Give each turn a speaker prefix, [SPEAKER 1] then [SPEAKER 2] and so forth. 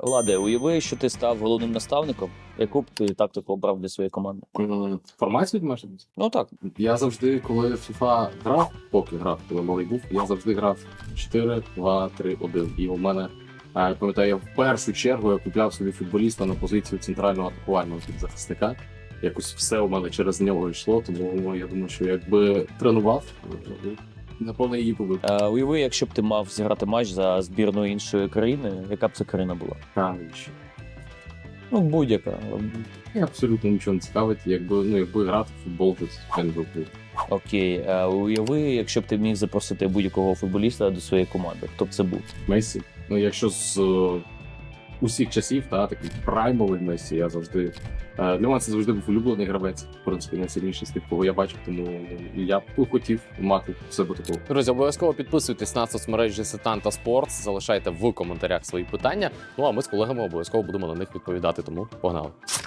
[SPEAKER 1] Владе, уяви, що ти став головним наставником, яку б ти тактику обрав для своєї команди?
[SPEAKER 2] Формацію може бути?
[SPEAKER 1] Ну так.
[SPEAKER 2] Я завжди, коли в FIFA грав, поки грав, коли малий був, я завжди грав 4-2-3-1. І у мене, я пам'ятаю, я в першу чергу я купляв собі футболіста на позицію центрального атакувального захисника. Якось все у мене через нього йшло, тому я думаю, що якби тренував, напевно, її побив.
[SPEAKER 1] Уяви, якщо б ти мав зіграти матч за збірну іншої країни, яка б це країна була?
[SPEAKER 2] Навіщо?
[SPEAKER 1] Ну, будь-яка.
[SPEAKER 2] Я абсолютно нічого не цікавить. Якби грати в футбол, то це не був.
[SPEAKER 1] Окей. Уяви, якщо б ти міг запросити будь-якого футболіста до своєї команди, хто б це був?
[SPEAKER 2] Месі. Ну, якщо з усіх часів, такий праймовий Месі, я завжди. Для мене це завжди був улюблений гравець, в принципі, найсильніший з тих, кого я бачив, тому я б хотів мати в себе такого.
[SPEAKER 3] Друзі, обов'язково підписуйтесь на соцмережі Сетанта Спортс, залишайте в коментарях свої питання. Ну а ми з колегами обов'язково будемо на них відповідати. Тому погнали.